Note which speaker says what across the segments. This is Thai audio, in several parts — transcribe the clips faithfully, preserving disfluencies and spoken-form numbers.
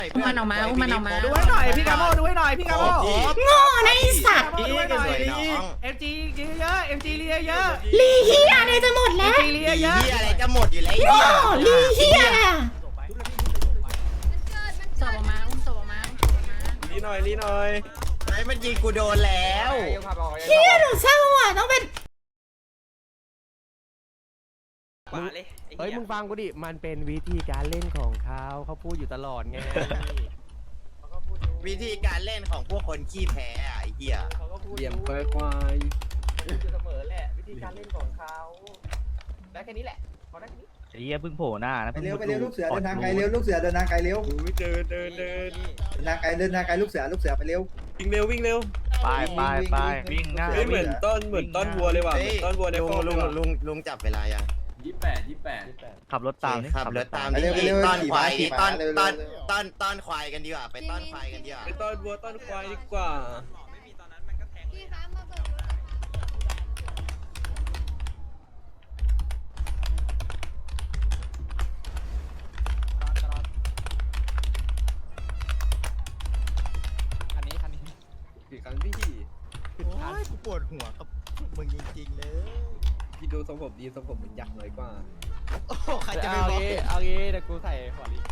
Speaker 1: อุ้มมันออกมาอุ้มมันออกมา
Speaker 2: ดูให้หน่อยพี่กาโมดูให้หน่อยพี่กาโม
Speaker 3: โง่นะไอสัตว์
Speaker 2: ดูให้หน่อยเอ็มจีเยอะเอ็มจีเยอะเยอะ
Speaker 3: ลีเฮียอะไรจะหมดแล้ว
Speaker 2: จีเยอะเยอะ
Speaker 4: เฮียอะไรจะหมดอยู่แล้ว
Speaker 3: โง่ลีเฮียอะ
Speaker 1: ศพออกมาอุ้มศพออกมาอุ้มศพออกมา
Speaker 2: ลีหน่อยลีหน่อย
Speaker 4: ไอ้มันยิงกูโดนแล้ว
Speaker 3: เฮียหนูเศร้าอ่ะต้องเป็น
Speaker 5: เฮ้ยมึงฟังกูดิมันเป็นวิธีการเล่นของเขาเขาพูดอยู่ตลอดไง
Speaker 4: วิธีการเล่นของพวกคนขี้แพ้อะไอ้เหี้ย
Speaker 5: เหลี่ยมควายควายพูดอยู่เสมอแหละวิธีการเล่นของเขาได้แค่นี้แหละพอได้แค่นี้
Speaker 6: ไอ้เหี้ยเพิ่งโผล่หน้านะ
Speaker 7: ไปเร็วไปเร็วลูกเสือเดินทางไกลเร็วลูกเสือเดินทางไกลเร็ว
Speaker 2: เดินเดินเดิน
Speaker 7: เดินทางไกลเดินทางไกลลูกเสือลูกเสือไปเร็ว
Speaker 2: วิ่งเร็ววิ่งเร็ว
Speaker 6: ไปไปไปวิ่งหน้า
Speaker 2: เฮ้ยเหมือนต้นเหมือนต้นวัวเลยว่ะเหมือนต้นวัวใน
Speaker 4: ลุง
Speaker 2: ฟอร์ม
Speaker 4: ลุงลุงลุงจับเวลายัง
Speaker 8: ยี่แปดยี่แปด
Speaker 6: ขับรถตามนี่
Speaker 4: ขับรถตาม
Speaker 7: ไปเร็วไปเร็ว
Speaker 4: ต้อน
Speaker 7: ขี่
Speaker 4: ควา
Speaker 7: ม้าย ขี่
Speaker 4: นี่
Speaker 7: ม้า
Speaker 4: ต้อน
Speaker 7: เร็ว
Speaker 4: ต้อน
Speaker 7: เร็ว
Speaker 4: ต้อนต้อนควายกันดีกว่าไปต้อนควายกันดีกว่า
Speaker 2: ไปต้นวัวต้นควายดีกว่า
Speaker 5: คันนี้คันนี้
Speaker 2: กี่ครั้งพี่
Speaker 4: โอ้ยกูปวดหัวกับมึงจริงๆเลย
Speaker 2: พี่ดูทรงผมดีทรงผมเหมือนยักษ์น้อยกว่า
Speaker 4: โอ้ใครจะไป
Speaker 5: เอา
Speaker 4: บอก
Speaker 5: งี้เอางี้เดี๋ยวกูใส่หัวลิ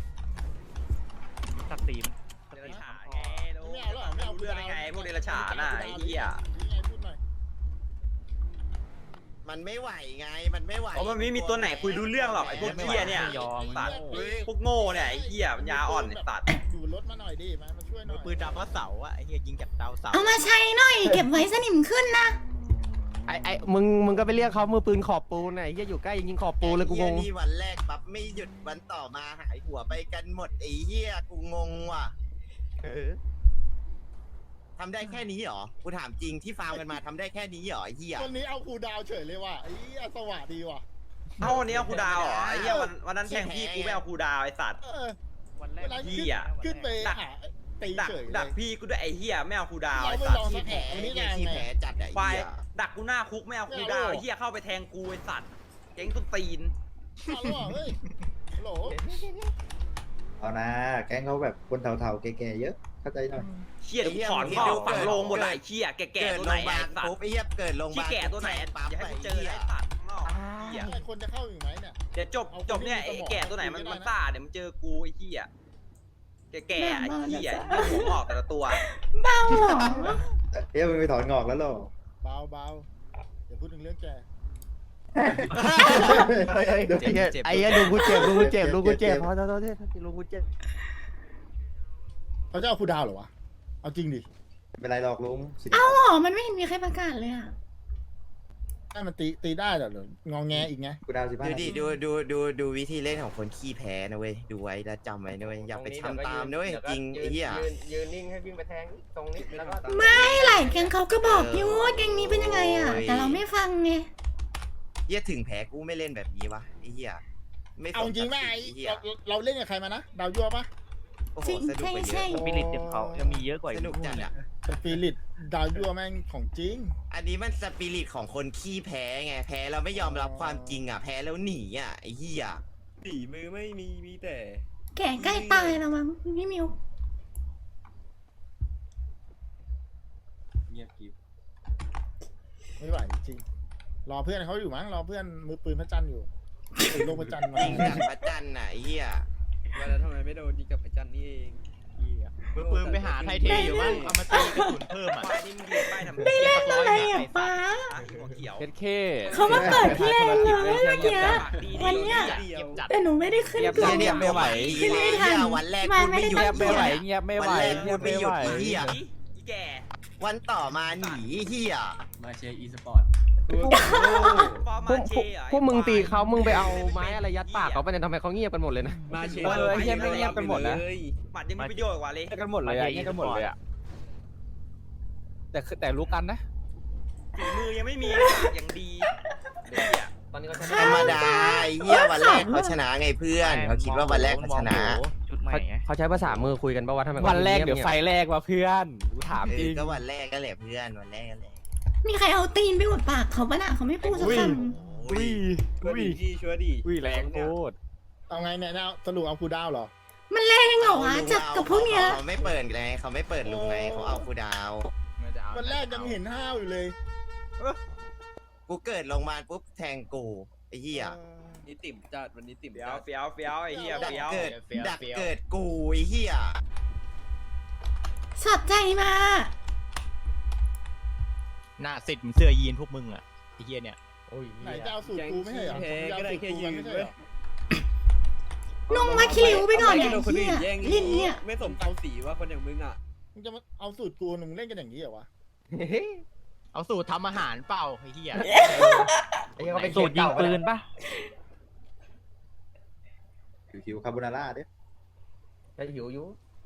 Speaker 6: ตัดตีม
Speaker 8: ไม่เอาหรอไม่เอาเรื่องไงพวกเดรัจฉานอ่ะไอ้เหี้ย
Speaker 4: มันไม่ไหวไงมันไม่ไหว
Speaker 8: เพราะมันไม่มีตัวไหนคุยรู้เรื่องหรอกไอ้พวกเหี้ยเนี่ย
Speaker 6: ยอม
Speaker 8: สัตว์พวกโง่เนี่ยไอ้เหี้ยปัญญาอ่อนไอ้สัตว์
Speaker 9: ดูรถมาหน่อยดิมามาช่วยหน่อย
Speaker 4: ปืนดาวพระเสาอะไอ้เหี้ยยิงจากดาวเสา
Speaker 3: เอามาใช้หน่อยเก็บไว้สนิมขึ้นนะ
Speaker 5: ไอ้ไอ้มึงมึงก็ไปเรียกเขามือปืนขอบปูนไอ้เหี้ยอยู่ใกล้ยิงขอบปูนเลยกูงง
Speaker 4: ไอ้หี้นี่วันแรกปั๊บไม่หยุดวันต่อมาหายหัวไปกันหมดไอ้เหี้ยกูงงว่ะทำได้แค่นี้เหรอกูถามจริงที่ฟาร์มกันมาทำได้แค่นี้เหรอไอ้เหี้ย
Speaker 9: วันนี้เอาครูดาวเฉยเลยว่ะไอ้เหี้ยสวัสดีว่ะ
Speaker 8: เอ้าวันนี้เอาครูดาวเหรอไอ้เหี้ยวันวันนั้นแทงพี่กูไม่เอาครูดาวไอ้สัตว์
Speaker 9: เออ
Speaker 6: วันแร
Speaker 9: เว
Speaker 6: ก
Speaker 9: ลา
Speaker 8: เหี้
Speaker 9: ขึ้น
Speaker 8: ย
Speaker 9: ขึ้นไปหาตี
Speaker 8: ดัก
Speaker 9: เฉย
Speaker 8: ดัก
Speaker 9: เลย
Speaker 8: พี่กูด้วยไอ้เหี้ยไม่เอาครูดาว
Speaker 9: เรา
Speaker 8: ไอ้
Speaker 9: ไม่
Speaker 8: สัต
Speaker 9: ลอง
Speaker 8: ว์
Speaker 9: สัก
Speaker 4: แผ
Speaker 9: แผ
Speaker 4: ล
Speaker 9: ล
Speaker 4: ไอ้
Speaker 9: นี่
Speaker 4: เหี้ย
Speaker 9: ไง
Speaker 4: ขี้แผลจัดอะไอ้
Speaker 8: ควาย
Speaker 4: เหี้ย
Speaker 8: ดักกูหน้าคุกไม่เอาครูดาวไอ้เหี้ยเข้าไปแทงกูไอ้สัตว์เจ๊งต้นตีน
Speaker 9: เอาแล้วเฮ้ยโหล
Speaker 7: เอานะแก๊งเขาแบบคนเฒ่าๆแก่ๆเยอะเข้าใจหน่อย
Speaker 8: เชี่ยกูถอนพ่อฝังโลงหมดเลยไอ้เชี่ยแก่
Speaker 4: เกิด
Speaker 8: ๆตัว
Speaker 4: โร
Speaker 8: ไหน
Speaker 4: งพยาบา
Speaker 8: ไอ้
Speaker 4: ล
Speaker 8: สัต
Speaker 4: ปุ๊บ
Speaker 8: ว์
Speaker 4: ไอ้เหี้ยเกิดโรงพยา
Speaker 8: ที่
Speaker 4: บาล
Speaker 8: แก่ตัวไหน
Speaker 4: ปั๊บ
Speaker 8: อย่าให้
Speaker 4: ไอ้
Speaker 8: กูเจอ
Speaker 4: เหี้ย
Speaker 8: ไอ้สัตว์นอกเหี้ย
Speaker 9: ไอ้คนจะเข้าอยู่ไหมเนี่ย
Speaker 8: เดี๋ยวจบจบเนี่ยไอ้แก่ตัวไหนมันมันซ่าเดี๋ยวมันเจอกูไอ้เหี้ยแก่ๆไอ้เหี้ยหัวงอกแต่ละตัว
Speaker 3: เบาเหรอ
Speaker 7: เอ๊ะมึงไปถอนงอกแล้วหรอ
Speaker 9: เบาเบาอย่าพูดถึงเรื่องแก
Speaker 5: ไอ้เหี้ยไอ้เหี้ยลุงกูเจ็บลุงกูเจ็บลุงกูเจ็บพอโทษโทษโทษลุงกูเจ็บ
Speaker 9: เขาจะเอาครูดาวเหรอวะเอาจริงดิ
Speaker 7: ไม่เป็นไรหรอกลุงสิ
Speaker 3: เอาเหรอมันไม่เห็นมีใครประกาศเลยอ่ะ
Speaker 9: ให้มันตีตีได้เหรอหรืองอแงอีกไง
Speaker 7: กูดาวสิบห้า
Speaker 4: ดู
Speaker 7: นา
Speaker 4: ดิ
Speaker 7: ที
Speaker 4: ดูดูดูดูวิธีเล่นของคนขี้แพ้นะเว้ยดูไว้แล้วจำไว้นะเว้ยอย่าไปทำตามนะเว้ยจริงไอ้เหี้ย
Speaker 5: ยืนยืนนิ่งให้วิ่งไปแทงตรงนี้แล้วก็
Speaker 3: ไม่หลายแกงเขาก็บอกอยู่ว่าแกงนี้เป็นยังไงอ่ะแต่เราไม่ฟังไง
Speaker 4: เหี้ยถึงแพ้กูไม่เล่นแบบนี้วะไอ้เหี้ยไม่ส
Speaker 9: เอา
Speaker 4: น
Speaker 9: จริงไหม
Speaker 4: ศัก
Speaker 9: ไอ้
Speaker 4: ดิ์ศรีเหี้ย
Speaker 9: เราเราเล่นกับใครมานะดาวยั่วปะ
Speaker 4: โอ้โหสนุกไปเยอะ
Speaker 6: สปิริตยังเขายังมีเยอะกว่า
Speaker 4: ส
Speaker 6: อีก
Speaker 4: นุกจัดอะ
Speaker 9: สปิริตดาวยั่วแม่งของจริง
Speaker 4: อันนี้มันสปิริตของคนขี้แพ้ไงแพ้แล้วไม่ยอมรับความจริงอ่ะแพ้แล้วหนีอ่ะไอ้เหี้ย
Speaker 2: หนีมือไม่มีมีแต่
Speaker 3: แก่ใกล้ตายแล้วมั้งพี่มิว
Speaker 8: เงียบกิบ
Speaker 9: ไม่ไหวจริงรอเพื่อนเขาอยู่มั้งรอเพื่อนมือปืนพระจันทร์อยู่ถือลงพระจันทร์มา
Speaker 4: ยิงจากพระจันทร์น่ะไอ้เหี้ย
Speaker 2: ว่าแล้วทำไมไม่โดนยิงกับไอ้จันนี่เอง
Speaker 6: มือปืนไปหาไทเทอยู่บ้างเอามาตีกระสุนเพิ่มอ่ะ
Speaker 8: ควายนี่มึงยืนป้ายทำ
Speaker 3: ได้เล่นอะไรอ่ะป้า
Speaker 8: หัวเขียว
Speaker 5: เพชรเค
Speaker 3: เขามาเปิดเพลงเลยเมื่อกี้วันเนี้ย
Speaker 2: เดียว
Speaker 3: แต่หนูไม่ได้ขึ้นกล่อง
Speaker 4: เนี่ยไม่ไหว
Speaker 3: ขึ้นไม่ทัน
Speaker 4: วันแรก
Speaker 3: มา
Speaker 4: พูด
Speaker 3: ไม่
Speaker 4: ไม่
Speaker 3: ได้
Speaker 4: หยุด
Speaker 3: ตั้งใจ
Speaker 5: เงียบไม่ไหว
Speaker 4: วันแรกพูดไม่หยุดไอ้เหี้ย
Speaker 8: อีแก่
Speaker 4: วันต่อมาหนีไอ้เหี้ย
Speaker 8: มาเชียร์อีสปอร์ตฟอร์
Speaker 5: พว
Speaker 8: มาก เชียร์
Speaker 5: พวกมึงตีเขามึงไปเอาไม้อะไรยัดปากเขาไปเนี่ยทำไมเขาเงียบกันหมดเลยนะ
Speaker 2: มาเช
Speaker 5: เออไอ้เหี้ยไม่เงียบกันหมดนะ
Speaker 8: หมัดยังมีประโยชน์กว่าเลย
Speaker 5: เงียบกันหมดเลยอะเงียบกันหมดเลยอะแต่คือแต่รู้กันนะ
Speaker 8: ฝีมือยังไม่มีอย่างดีเหี้ย
Speaker 5: ตอนนี้เขา
Speaker 4: ธรรมดาไอ้เหี้ยวันแรกเขาชนะไงเพื่อนเขาคิดว่าวันแรกเขาชนะ
Speaker 6: ชุดใหม่ไง
Speaker 5: เขาใช้ภาษามือคุยกันป่าวว่าทำไม
Speaker 10: วันแรกเดี๋ยวไฟแรกว่ะเพื่อนกูถาม
Speaker 4: เอ
Speaker 10: จริ
Speaker 4: อง ก็วันแรกก็แหละเพื่อนวันแรกก็แหละ
Speaker 3: มีใครเอาตีนไปอุดปากเขาปะน่ะเขาไม่พูดสักค
Speaker 4: โอ้ย
Speaker 2: ช่วยดีพี่ช่วยดี
Speaker 10: อุ้ยแรงโคตร
Speaker 9: เอาไงเนี่ยเอาสรุปเอาครูดาวเหรอ
Speaker 3: มันแรงเหรอวะจับกับพวกเนี้ย
Speaker 4: เขาไม่เปิดไงเขาไม่เปิดลุงไงเขาเอากูดาว
Speaker 9: วันแรกยังเห็นห้าวอยู่เลย
Speaker 4: กูเกิดลงมาปุ๊บแทงกูไอ้เหี้ย
Speaker 5: นี่ติ่มจัดวันนี้ติ่ม
Speaker 8: เฟี้ยวเฟี้ยวเฟี้ยวไอ้เหี้ย
Speaker 4: ดัก
Speaker 8: เฟี้ยว
Speaker 4: เกิดดักเกิดกูไอ้เหี้ย
Speaker 3: สอดใจมา
Speaker 6: หน้าสิทธิ์มึงเสื้อยีนพวกมึงอ่ะไอ้เหี้ยเนี่ย
Speaker 9: ไหนจะเอาสูตรกูไม่ใช่เหรอผมจะเอาสูตรกูกันไม่ใช่เหรอ
Speaker 3: นุ่งมาคิริวไปก่อนเนี่ยเฮียลิ้นเนี่ย
Speaker 5: ไม่สมเขาสีว่าคนอย่างมึงอ่ะ
Speaker 9: มึงจะมาเอาสูตรกูมึงเล่นกันอย่างนี้เหรอวะ
Speaker 6: เอาสูตรทำอาหารเปล่าไอ้เหี้ย
Speaker 10: สูตรยิงปืนปะ
Speaker 7: หิวคาโบนาร่าเด้
Speaker 5: จะหิวอยู่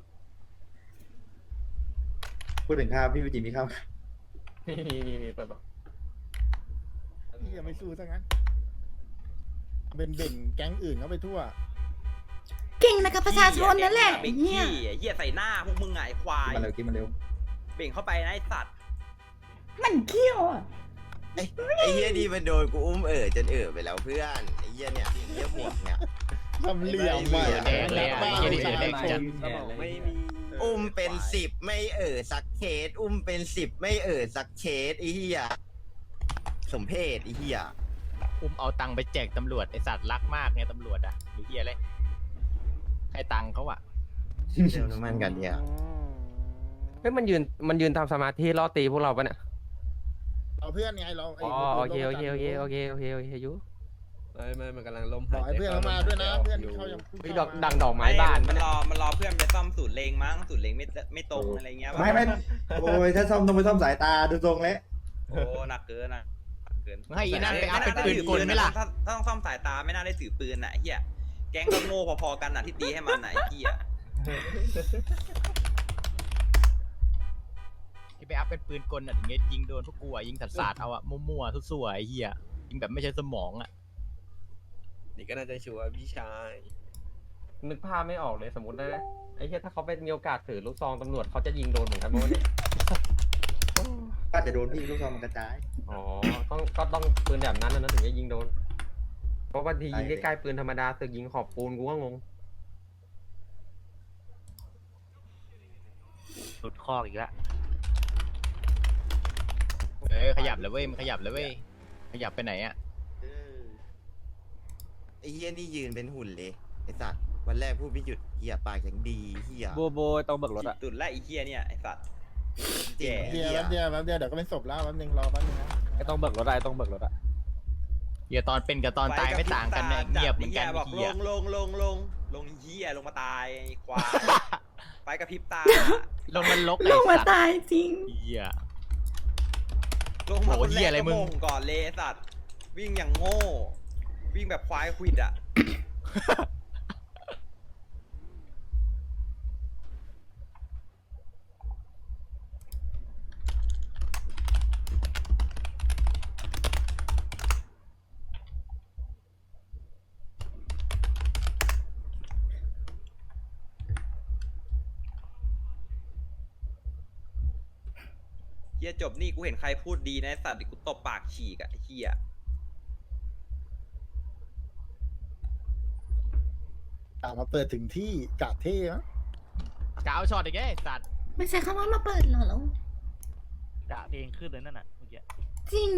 Speaker 7: พูดถึงข้าวพี่วิจิมีข้าว
Speaker 5: มีมีมีมีเปิดบอก
Speaker 9: พี่ยังไม่สู้ซะงั้นเป็นเบ่งแก๊งอื่นเขาไปทั่ว
Speaker 3: เก่งนะกับประชาชนนั่นแหละ
Speaker 8: เบ่ง
Speaker 3: เนี่ย
Speaker 8: ขี้เหี้ยใส่หน้าพวกมึงไงควาย
Speaker 7: มาเร็วกินมาเร็ว
Speaker 8: เบ่งเข้าไปนะไอ้สัตว์
Speaker 3: มันเขี้ยวอ่ะ
Speaker 4: ไอ้ไอ้เหี้ยดีมันโดนกูอุ้มเอ๋อจนเอ๋อไปแล้วเพื่อนไอ้เหี้ยเนี่ยไอ้เหี้ยหมวกเนี่ย
Speaker 9: ทำเหลี่ยมว่ะ
Speaker 6: แดงเลยอ่ะไอ้เหี้ยนี่แดงจัด
Speaker 5: สมองไม่มี
Speaker 4: อุ้มเป็นสิบไม่เอ๋อสักเคสอุ้มเป็นสิบไม่เอ๋อสักเคสไอ้เหี้ยสมเพศไอ้เหี้ย
Speaker 6: อุ้มเอาตังค์ไปแจกตำรวจไอสัตว์รักมากไงตำรวจอ่ะหรือเหี้ยอะไรให้ตังค์เขาอ่ะ
Speaker 4: เติมน้ำมันกันเนี่ย
Speaker 5: เฮ้ยมันยืนมันยืนทำสมาธิล่อตีพวกเราปะเนี่ย
Speaker 9: เอาเพื่อนไงเราไ
Speaker 5: อ๋อโอเคโอเคโอเคโอเคโอเคโอเคยุไม่ไม่มันกำลังล้ม
Speaker 9: ขอให้เพื่อนเขามาด้วยนะเพื่อนที่เขายัง
Speaker 5: มีดอกดังดอกไม้บาน
Speaker 8: มันรอมันรอเพื่อนไปซ่อมสูตรเลงมั้งสูตรเลงไม่ไม่ตรงอะไรเงี้ย
Speaker 7: ไม่ไม่โอ้ยถ้าซ่อมต้องไปซ่อมสายตาดูทรงแล้ว
Speaker 8: โอ้หนักเกินนะเกิน
Speaker 6: มึงให้อีนั่นไปอัพเป็นปืนกลไหมล่ะ
Speaker 8: ถ้าถ้าต้องซ่อมสายตาไม่น่าได้ถือปืนอ่ะเฮียแก๊งก็โง่พอๆกันอ่ะที่ตีให้มันไหนเฮีย
Speaker 6: ที่ไปอัพเป็นปืนกลอ่ะถึงจะยิงโดนพวกกูอ่ะยิงสัตว์สาดเอาอ่ะมั่วๆทั่วๆไอ้เหี้ยยิงแบบไม่ใช่สมองอ่ะ
Speaker 5: นี่ก็น่าจะชัวร์พี่ชายนึกภาพไม่ออกเลยสมมตินะไอ้เหี้ยถ้าเขาเป็นมีโอกาสถือลูกซองตำรวจเขาจะยิงโดนเหมือนกันมั้งเนี่ย
Speaker 7: ก็จะโดนพี่ลูกซองมันกระจาย
Speaker 5: อ๋อต้องก็ต้องปืนแบบนั้นนะถึงจะยิงโดนเพราะบางทียิงใกล้ๆปืนธรรมดาสึกยิงขอบปูนกูก็งง
Speaker 10: หลุดคอกอีกแล้ว
Speaker 6: เอ้ยขยับเลยเว้ยมันขยับเลยเว้ยขยับไปไหนอ่ะ
Speaker 4: ไอ้เหี้ยนี่ยืนเป็นหุ่นเลยไอ้สัตว์วันแรกพูดไม่หยุดเหี้ยปากอย่างดีเหี้ย
Speaker 10: โบโบต้องเบิกรถอะ
Speaker 8: ตุ่นไล่ไอ้เฮียเนี่ยไอ้สัตว์
Speaker 4: จริง
Speaker 9: เดียว
Speaker 4: เหี้ย
Speaker 9: แป๊บเดียวแป๊บเดียวเดี๋ยวก็เป็นศพแล้วแป๊บนึงรอแป๊บนึงนะ
Speaker 10: ไอ้ต้องเบิกรถอะไอ้ต้องเบิกรถอะ
Speaker 6: เหี้ยตอนเป็นกับตอนตายไม่ต่างกันเนี่ยเงียบเหมือนกัน
Speaker 8: บอก
Speaker 6: ไอ้เหี้
Speaker 8: ล
Speaker 6: ย
Speaker 8: งลงลงลงลงเฮียลงมาตายไอ้ควายไปกระพริบตา
Speaker 6: ลงมันลก
Speaker 3: ล
Speaker 6: ไอ้
Speaker 3: งมา
Speaker 6: สัตว์
Speaker 3: ตายจริง
Speaker 6: เหี้ย
Speaker 8: ลงมา
Speaker 6: โอ้
Speaker 8: คน
Speaker 6: เหี้
Speaker 8: แร
Speaker 6: ย
Speaker 8: ก
Speaker 6: อะไร
Speaker 8: ก็
Speaker 6: มึง
Speaker 8: โมงก่อนเลยไอ้สัตว์วิ่งอย่างโง่ วิ่งแบบควายควิดอ่ะ เฮียจบนี่กูเห็นใครพูดดีนะไอ้สัตว์เดี๋ยวกูตบปากฉีกอะไอ้เฮีย
Speaker 9: กะมาเปิดถึงที่กะเท่มั้ง
Speaker 6: กาวช็อตอีกไอ้สัตว์
Speaker 3: ไม่ใช่คำว่ามาเปิดเหรอแล้ว
Speaker 10: กะเพลงขึ้นเลยนั่นน่ะเมื่อกี้
Speaker 3: จริง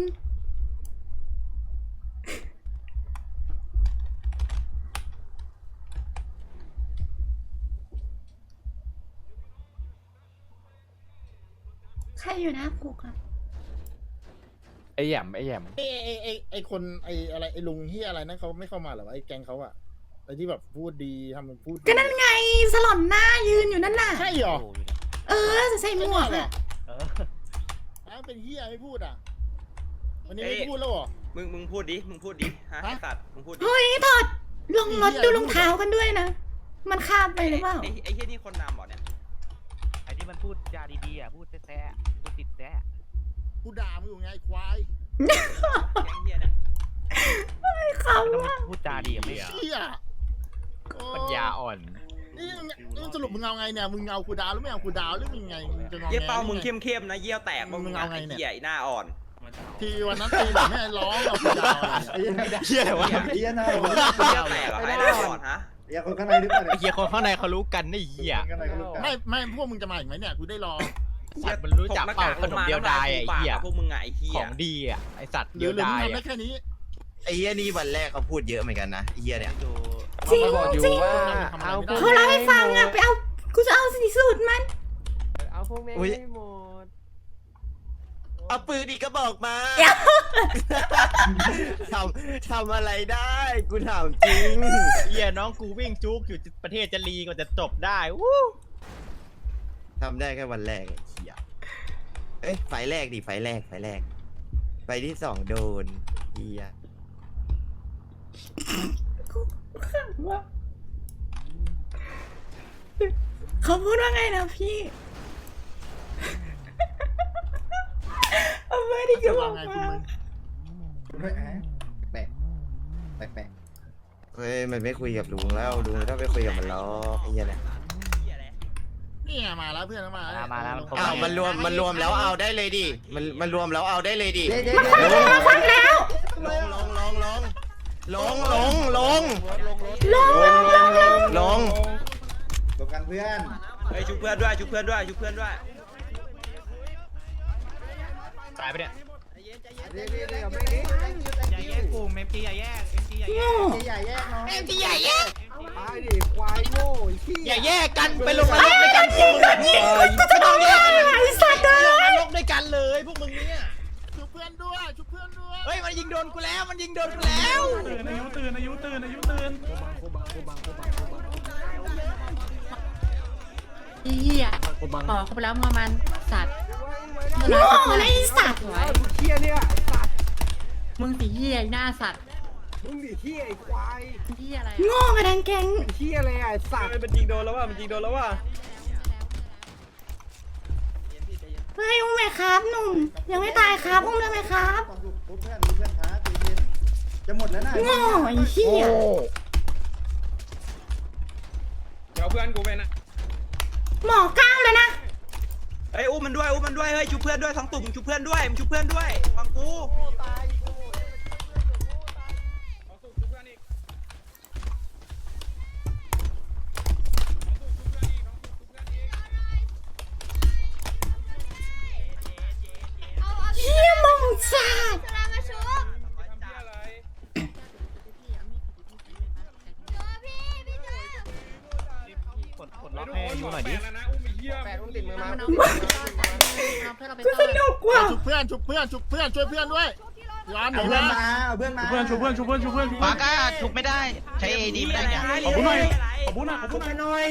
Speaker 3: ใครอยู่หน้าคุกอะ
Speaker 10: ไอ้แหยมไอ้แหยม
Speaker 9: ไอ้ไอ้ไอ้ไอ้คนไอ้อะไรไอ้ลุงเฮียอะไรนั่นเขาไม่เข้ามาเหรอวะไอ้แกงเขาอะไอ้ที่แบบพูดดีทำเป็นพูดดี
Speaker 3: ก็นั่นไงสลอนหน้ายืนอยู่นั่นน่ะ
Speaker 9: ใช่เหรอ
Speaker 10: โอ้ย
Speaker 3: เออใส่หมวก
Speaker 9: เหรอ
Speaker 3: อะ
Speaker 10: เออ
Speaker 9: อ้าวเป็นเฮียไม่พูดอ่ะวันนี้ไม่พูดแล้วเหรอ
Speaker 8: มึงมึงพูดดิ มึงพูดดิ ฮะ
Speaker 9: ฮะ
Speaker 8: ไอ้สัตว์ มึงพูดดิ
Speaker 3: เฮ้ยถอดลงรถดูรองเท้ากันด้วยนะ มันคาบไปหรือเปล่า
Speaker 8: ไอ้ไอ้เฮียนี่คนนำเหรอเนี่ย
Speaker 10: ไอ้ที่มันพูดจาดีๆอ่ะพูดแซ่ๆพูดติดแซ่
Speaker 9: กูด่ามึงอยู่ไงควาย
Speaker 8: แก๊งเฮียเนี่ย
Speaker 3: เขา
Speaker 10: ไม่ต้อง
Speaker 3: ว่า
Speaker 10: พูดจาดีกับไม่
Speaker 9: เฮียโอ้
Speaker 6: ปัญญาอ่อน
Speaker 9: นี่นี่สรุปมึงเอาไงเนี่ยมึงเอากูดาวหรือไม่เอากูดาวหรือมึงไงมึงจะงอแง
Speaker 8: เยี่ยเป้ามึง
Speaker 9: หรือไ
Speaker 8: เข้มเข้มๆนะ เยี่ยวแตก
Speaker 9: มึง
Speaker 8: มึง
Speaker 9: เอา
Speaker 8: ไง
Speaker 9: ไงเนี่ย
Speaker 8: เฮียไอ้หน้าอ่อน
Speaker 9: ทีวันนั้นตีหลังให้ร้องเอากูดาวอะไร
Speaker 7: ไอ้
Speaker 9: เนี่ย
Speaker 7: เหี้ย
Speaker 6: เหี้ยอะไรวะ
Speaker 7: ไอ้เหี้ยหน้า
Speaker 8: เยี่ยวแตกเหรอไอ้หน้าอ่อนฮะ
Speaker 7: อย่าคนข้างในหรือเปล่า
Speaker 6: ไอ้เหี้ยคนข้างในเขารู้กันไอ้เหี้ย
Speaker 7: คนข้างในก็รู้กัน
Speaker 9: ไม่ไม่พวกมึงจะมาอีกไหมเนี่ยกูได้รอ
Speaker 6: สัตว์มันรู้จักเปล่าขนมเดียวดายอะไอ้เหี้ย
Speaker 8: พวกมึงไงไอ้เหี้
Speaker 6: ข
Speaker 8: ย
Speaker 6: องดีอ่ะไอสัตว์
Speaker 9: หรื
Speaker 6: เดี
Speaker 9: อ
Speaker 6: ยว
Speaker 9: หรือมึ
Speaker 6: ดาง ย
Speaker 9: ทำได้
Speaker 6: อะ
Speaker 9: แค่นี้
Speaker 4: ไอ้เฮียนี่วันแรกเขาพูดเยอะเหมือนกันนะไอ้เฮียเนี่ย
Speaker 3: จริงจริง
Speaker 9: เอา
Speaker 3: เขาเล่าให้ฟังอ่ะไปเอากูจะเอาสีสูตรมัน
Speaker 5: เอาพวกแม่ง
Speaker 4: อุ๊ย
Speaker 5: ให้หมด
Speaker 4: เอาปืนอีกก็บอกมา
Speaker 3: เดี๋ยว
Speaker 4: ทำทำอะไรได้กูถามจริง
Speaker 6: เหี้ยน้องกูวิ่งจุกอยู่ประเทศจะรีกว่าจะจบได้วู้
Speaker 4: ทำได้แค่วันแรกไอ้เฮียเอ้ยไฟแรกดิไฟแรกไฟแรกไฟที่สองโดนเฮีย
Speaker 3: เขาพูดว่าไงนะพี่เอาไม่ได้ก็บอก
Speaker 9: ไง
Speaker 3: มา
Speaker 9: คุณมึง
Speaker 7: ไม่แอะแปลกแปลกแปลก
Speaker 4: เฮ้ยมันไม่คุยกับลุงแล้วลุงไม่ต้องไปคุยกับมันหรอกไอ้เฮียเนี่ย
Speaker 9: นี่ไงมาแล้วเพื่อนมาแล้ว
Speaker 10: มาแล้วมันครบ
Speaker 4: อ้าวมันรวมมันรวมแล้วเอาได้เลยดิมันมันรวมแล้วเอาได้เลยดิ
Speaker 7: เดี๋ยวเดี๋ยว
Speaker 3: มาฟังแล้ว
Speaker 4: ลงลงลงลงลงลงลง
Speaker 3: ลงลงลงลง
Speaker 4: ลง
Speaker 7: ลงกันเพื่อน
Speaker 8: เฮ้ยชุบเพื่อนด้วยชุบเพื่อนด้วยชุบเพื่อนด้วย
Speaker 6: ตายไปเนี่ย
Speaker 7: เดี๋ยวเดี๋ยวเดี๋ยวไม่ได้
Speaker 2: อย่าแยกกลุ่มเอ็มจีอย่าแยกเอ็มจีอย่าแย
Speaker 3: โง่
Speaker 2: ก
Speaker 7: ใหญ่แยกน้อง
Speaker 3: เอ็มจีใหญ่แยก
Speaker 7: ตายดิควายโง่ไอ้ขี้
Speaker 6: อย่าแยกกันไปลงนรกด้วยกันพวกมึงแบบนี้ไม่ต้องแยกกัน
Speaker 3: ไอ้สัตว์
Speaker 6: ล
Speaker 3: เล
Speaker 6: งน
Speaker 3: ย
Speaker 6: รกด้วยกันเลยพวกมึงเนี่ย
Speaker 9: ชุบเพื่อนด้วยชุบเพื่อนด้วย
Speaker 6: เฮ้ยมันยิงโดนกูแล้วมันยิงโดนกูแล้ว
Speaker 2: ตื่นอายุตื่นอายุตื่นอายุตื่น
Speaker 1: ไอ้เหี้ยบอกเขาไปแล้วมึงเอามันสัตว์
Speaker 3: โง่เลยไอ้สัตว์
Speaker 1: สวย
Speaker 7: เขี้ยเนี่ยไอ้สัตว์
Speaker 1: มึงสีเหี้ยหน้าสัตว์
Speaker 7: มึงดิเขี้ยไอ้ควาย
Speaker 1: เหี้ยอะไร
Speaker 3: โง่กระดังแกง
Speaker 7: เขี้ยอะไรอ่ะไอ้สัตว์
Speaker 5: มันยิงโดนแล้วว่ะมันยิงโดนแล้วว่ะ
Speaker 3: เฮ้ยอุ้มไหมครับหนุ่มยังไม่ตายครับอุ้มได้ไหมครับ
Speaker 7: ต้องดูเพื่อนดูเพื่อนท้าตีเย็นจะหมดแล้วนะ
Speaker 3: โง่ไอ้เหี้ย
Speaker 5: เดี๋ยวเพื่อนกูไปนะ
Speaker 3: หมอก้าวเลยนะ
Speaker 8: เฮ้ยอุ้มมันด้วยอุ้มมันด้วยเฮ้ยชุบเพื่อนด้วยทั้งตุ่มชุบเพื่อนด้วยมึงชุบเพื่อนด้วยฟังกู
Speaker 3: เหี้ยมองจ้า
Speaker 6: กดกดล็อกให้ยูหน่อยดิ
Speaker 5: แปดอุ้มติดมือมา
Speaker 1: มันเอาเพื่อนเราไป
Speaker 3: กูส
Speaker 1: เติม
Speaker 3: นุกกว่า
Speaker 9: ชุบเพื่อนชุบเพื่อนชุบเพื่อนช่วยเพื่อนด้วยย้อนหนี
Speaker 7: เอาเพื่อน
Speaker 9: นะ
Speaker 7: มาเอาเพื่อนมา
Speaker 2: เพื่อนชูเพื่อนชูเพื่อนชูเพื่อนชู
Speaker 6: ปา
Speaker 2: เพื่อน
Speaker 6: ก้าถูกไม่ได้ใช้เอดีไม่ได้เนี่ย
Speaker 2: ขอบคุณหน่อยขอบคุณหน่อยขอบคุณหน่อย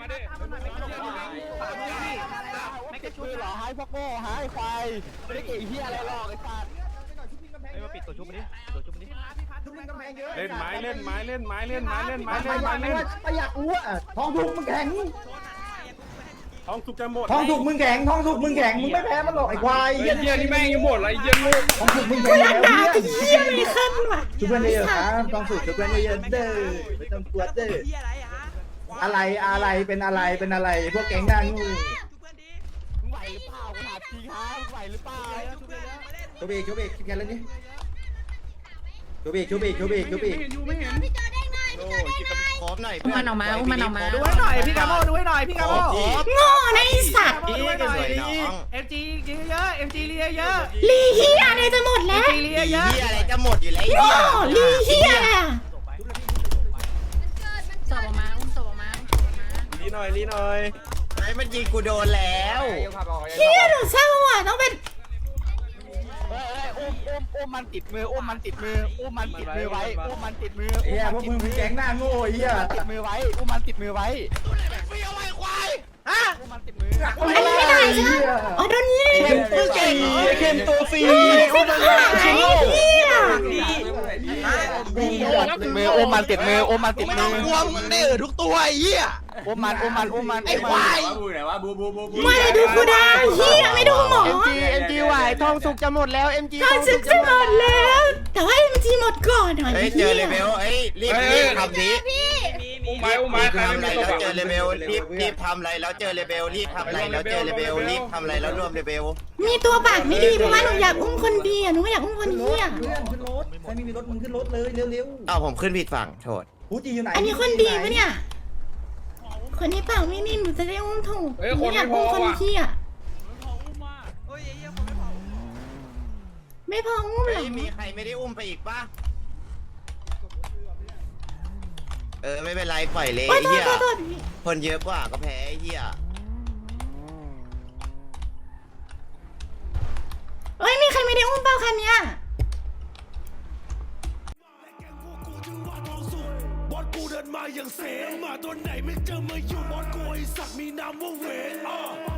Speaker 9: ไม่กระชุบหรอหายพวกโง่หายควายไม่ได้เก่งเฮียอะไรหรอกไอ้สัตว์
Speaker 6: เฮ้ยมาปิดตัวชุบมาดิตัวชุบมาดิ
Speaker 2: เล่นไม้เล่นไม้เล่นไม้เล่นไม้เล่นไม้เล่นไม้เล่น
Speaker 7: ไม่อยากรู้อ่ะท้องถูกมึงแข็ง
Speaker 2: ท้องสุกจะหมด
Speaker 7: ท้องถูกมึงแข็งท้องถูกมึงแข็งมึงไม่แพ้มันหรอกไอ้ควาย
Speaker 2: เยี่ยนี่แม่งยังหมดอะไรเยี่ยลูก
Speaker 7: ท้องถูกมึงแข็
Speaker 3: กู
Speaker 7: ง
Speaker 3: อยากด่าไอ้เหี้ยเลยขึ้นว่ะ
Speaker 7: ช่วยเพื่อนเยอะๆครับท้องถูกช่วยเพื่อนเยอะๆเด้อไม่ต้องกลัวเด้อ
Speaker 8: เหี้ยอะไรฮะ
Speaker 7: อะไรอะไรเป็นอะไรเป็นอะไรพวกแก๊งหน้างู
Speaker 8: ชุบเพื่อนดิ
Speaker 9: มึงไหวหรือเปล่ากูถามจริงครับไหวหรือเปล่า
Speaker 8: ชุบเพื่อนมาเล่น
Speaker 7: โชเบกโชเบกคิดกันแล้วนี่โชเบกโชเบกโชเบกโชเบก
Speaker 2: ไม่เห็นอยู่ไม่เห็น
Speaker 4: ครบหน่อย
Speaker 1: อุ้มมันออกมาอุ้มมันออกมา
Speaker 2: ดูให้หน่อยพี่กาโมดูให้หน่อยพี่กาโม
Speaker 3: โง่นะไอ้สัตว์
Speaker 2: ดูให้หน่อยเอ็มจีเยอะเอ็มจีเยอะ
Speaker 3: ลีเหี้ยอะไรจะหมด
Speaker 2: เอ็
Speaker 3: แล้
Speaker 2: ม
Speaker 3: ว
Speaker 2: จีเย
Speaker 4: เฮี
Speaker 2: อะ
Speaker 4: ยอะไรจะหมดอยู่แล้ว
Speaker 3: โง่ลีเหี้ยอะไรอ่ะ
Speaker 1: ศพออกมาอุ้มศพออกมาอุ้มศพออกมา
Speaker 5: ลีหน่อยลีหน่อย
Speaker 4: ไอ้มันยิงกูโดนแล้ว
Speaker 3: เหี้ยหนูเศร้าอ่ะต้องเป็น
Speaker 9: เฮ้ยอุ้มอุ้มอุ้มมันติดมืออุ้มมันติดมืออุ้มมันติดมือไว้อุ้มมันติดมือ
Speaker 7: เฮียพวกมึงเป็นแก๊งหน้าโง่เฮีย
Speaker 9: ติดมือไว้อุ้มมันติดมือไว้อุ้มมันติดมือ
Speaker 3: อันนี้ไม่ได้ใช่ไหมอ๋อโดนยิง
Speaker 7: มึงเก่ง
Speaker 5: เข้มตัวฟรี
Speaker 3: อุ้มมันหายเหี้ย
Speaker 8: ดีฮะดี
Speaker 9: ติดมืออุ้มมันติดมืออุ้มมันติด
Speaker 6: ไม่
Speaker 9: มื
Speaker 6: ต้
Speaker 9: อ
Speaker 6: องกลัวมึงได้เออทุกตัวไอ้เหี้ย
Speaker 9: อุ้มมันอุ้มมันอุ้มมัน
Speaker 6: ไอ้ควาย
Speaker 3: มาเลยดูกูได้เหี้ยไม่ดูหมอ
Speaker 9: เอ็มจีเอ็มจีไหวทองสุกจะหมดแล้วเอ็มจี
Speaker 3: ตอนซึกจะหมดแล้ว แต่ว่ามันจีหมดก่อนหน่อย
Speaker 4: เฮ้ยเจอเลเวลเอ้ยรีบรีบทำดิ
Speaker 8: มีมี
Speaker 2: ไม้อุ้มไม้
Speaker 4: รีบ
Speaker 2: ใคร
Speaker 4: ทำ
Speaker 2: ไม่
Speaker 4: อะไร
Speaker 2: มีตัว
Speaker 4: แล้ว
Speaker 2: ฝัง
Speaker 4: เจอเลเวลรีบรีบทำอะไรแล้วเจอเลเวลรีบทำอะไรแล้วเจอเลเวลรีบทำอะไรแล้วรวมเลเวล
Speaker 3: มีตัวปากไม่ดีเพราะว่าหนูอยากอุ้มคนดีอ่ะหนูไม่อยากอุ้มคนเหี้ย
Speaker 7: เพื่อนขึ้นรถใครไม่มีรถมึงขึ้นรถเลยเร็ว
Speaker 4: อ้าวผมขึ้นผิดฝั่งโทษ
Speaker 3: โ
Speaker 7: ฟูจิอยู่ไหน
Speaker 3: อันนี้คนดีปะเนี่ย คนที่ปากไม่นิ่มหนูจะได้อุ้มถูก
Speaker 5: เฮ้ยคนไม่
Speaker 3: อยาก
Speaker 5: พอ
Speaker 3: อุ้มคน
Speaker 5: ว่ะ
Speaker 3: ที่อ่ะ
Speaker 8: เฮ้ยไอ้เหี้ยคนไม่พอ
Speaker 3: ไม่พออุ้มเหร
Speaker 4: เฮ้
Speaker 3: อย
Speaker 4: มีใครไม่ได้อุ้มไปอีกปะเออไม่เป็นไรปล่อยเลย
Speaker 3: โอ๊
Speaker 4: ไอ้
Speaker 3: ยโทษ
Speaker 4: เหี้ย
Speaker 3: โทษโทษ
Speaker 4: คนเยอะกว่าก็แพ้ไอ้เหี้ย
Speaker 3: เอ้ยมีใครไม่ได้อุ้มเปล่าคันเนี้ย
Speaker 11: บอสกูเดินมาอย่างเสงมาตัวไหนไม่เจอมาอยู่บอสกูไอสัตว์มีนามว่าเวน